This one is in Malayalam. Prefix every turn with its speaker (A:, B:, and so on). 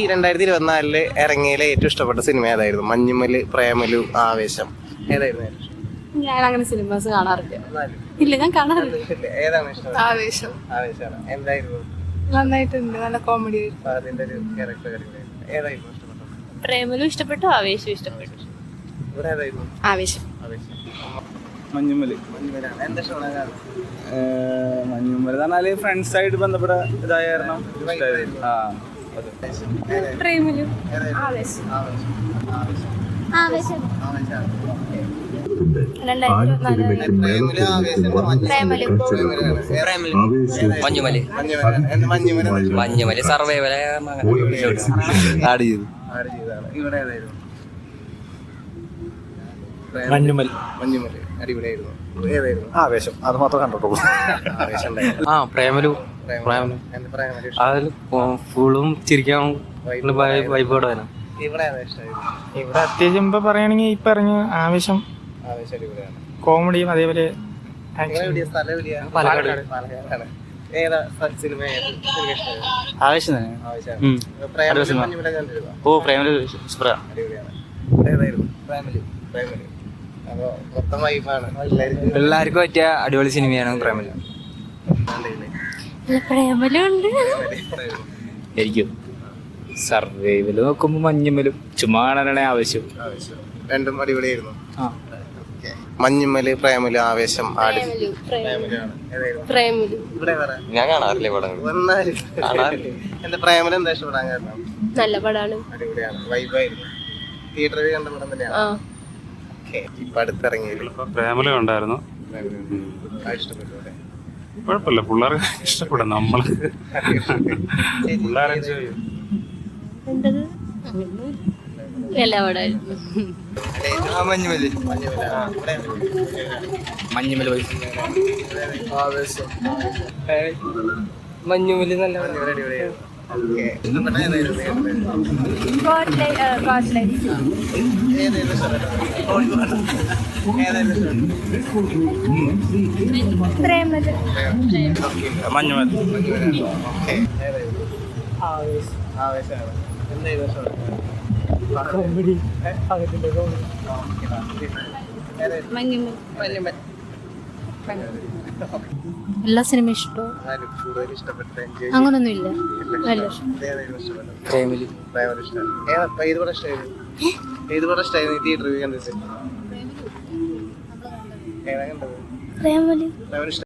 A: 2024 ഇറങ്ങിയതിലെ ഏറ്റവും ഇഷ്ടപ്പെട്ട സിനിമ ഏതായിരുന്നു? മഞ്ഞുമല്, പ്രേമലു, ആവേശം, ഏതായിരുന്നു?
B: ഞാൻ അങ്ങനെ സിനിമാസ് കാണാറില്ല. ഇല്ല, ഞാൻ കാണാറില്ല.
A: ഏതാണ് ഇഷ്ടം?
B: ആവേശം.
A: ആവേശമാണ്. എന്തായിരുന്നു?
B: നന്നായിട്ടുണ്ട്, നല്ല കോമഡി.
A: അതിന്റെ ഒരു ക്യാരക്ടർ ഏതായിരുന്നു ഇഷ്ടപ്പെട്ടത്?
B: പ്രേമലും ഇഷ്ടപ്പെട്ടു, ആവേശവും ഇഷ്ടപ്പെട്ടു.
A: ഇവിടെ ഏതായിരുന്നു?
B: ആവേശം.
A: ആവേശം.
C: മഞ്ഞുമല്.
A: മഞ്ഞുമലാണ്. എന്താ ഇഷ്ടമാണ്?
C: മഞ്ഞുമല് പറഞ്ഞാല് ഫ്രണ്ട്സ് ആയിട്ട് ബന്ധപ്പെട്ട ഇതായ കാരണം
B: പ്രേമലും ആവേശം. ആവേശം.
D: മഞ്ഞുമല് സർവൈവൽ ആഡ് ചെയ്തു.
A: ഇവിടെ ഏതായിരുന്നു?
C: മഞ്ഞുമല്.
A: മഞ്ഞുമല് അടിപൊളിയായിരുന്നു. ഏതായിരുന്നു?
C: ആവേശം. അത് മാത്രമേ കണ്ടിട്ടുള്ളൂ.
A: ആവേശം.
D: പ്രേമലു അതിൽ ഫുള്ളും ചിരിക്കാൻ വൈബോടെ വരാം.
A: ഇവിടെ ഏതാ ഇഷ്ടമായിരുന്നു?
E: ഇവിടെ അത്യാവശ്യം ഇപ്പൊ പറയുകയാണെങ്കിൽ ഇപ്പൊ ഇറങ്ങിയ ആവേശം
A: ആവേശം അടിപൊളിയാണ്.
E: കോമഡിയും അതേപോലെ
A: പാലക്കാടാണ്. ഏതാ സിനിമ ഇഷ്ടമായിരുന്നു?
D: ആവേശം തന്നെ. ഓ പ്രേമലു സൂപ്പറാണ്.
A: അടിപൊളിയാണ്. ഏതായിരുന്നു? പ്രേമലു. അപ്പൊ മൊത്തം വൈബാണ്.
D: പിള്ളേർക്ക് പറ്റിയ അടിപൊളി സിനിമയാണ് പ്രേമലു.
B: പ്രേമലും ഉണ്ട്.
D: ശരിക്കും സർവൈവല് നോക്കുമ്പോ മഞ്ഞുമലും ചുമ്മാ കാണാനാണ് ആവശ്യം.
A: രണ്ടും അടിപൊളിയായിരുന്നു. മഞ്ഞുമല്, പ്രേമലു, ആവേശം,
D: ഞാൻ കാണാറില്ല പടങ്ങൾ.
A: എന്താ പ്രേമലു എന്താ ഇഷ്ടപ്പെടാൻ കാരണം?
B: നല്ല പടാണ്,
A: അടിപൊളിയാണ്, വൈബായിരുന്നു. തിയേറ്ററിൽ കണ്ട പടം തന്നെയാണ്. ഇപ്പൊ അടുത്തിറങ്ങിയത്
F: പ്രേമലു ഉണ്ടായിരുന്നു.
A: ഇഷ്ടപ്പെട്ടു.
F: കുഴപ്പമില്ല, പിള്ളേർക്ക് ഇഷ്ടപ്പെടും. നമ്മള് പിള്ളേർ എൻജോയ് ചെയ്യും.
B: എല്ലാ പടായിരുന്നു.
D: മഞ്ഞുമല് നല്ല
A: അടിപൊളിയായിരുന്നു.
C: മഞ്ഞുമല്.
A: ആവേശമാണ്. എന്തായിരുന്നു?
B: എല്ലാ സിനിമ ഇഷ്ടവും അങ്ങനൊന്നും ഇല്ല.
D: പ്രേമലു.
A: ഏത് പടം ഇഷ്ടമായിരുന്നു? തിയേറ്ററിൽ കണ്ടിട്ട് ഏതാ കണ്ടത്?
B: പ്രേമലു.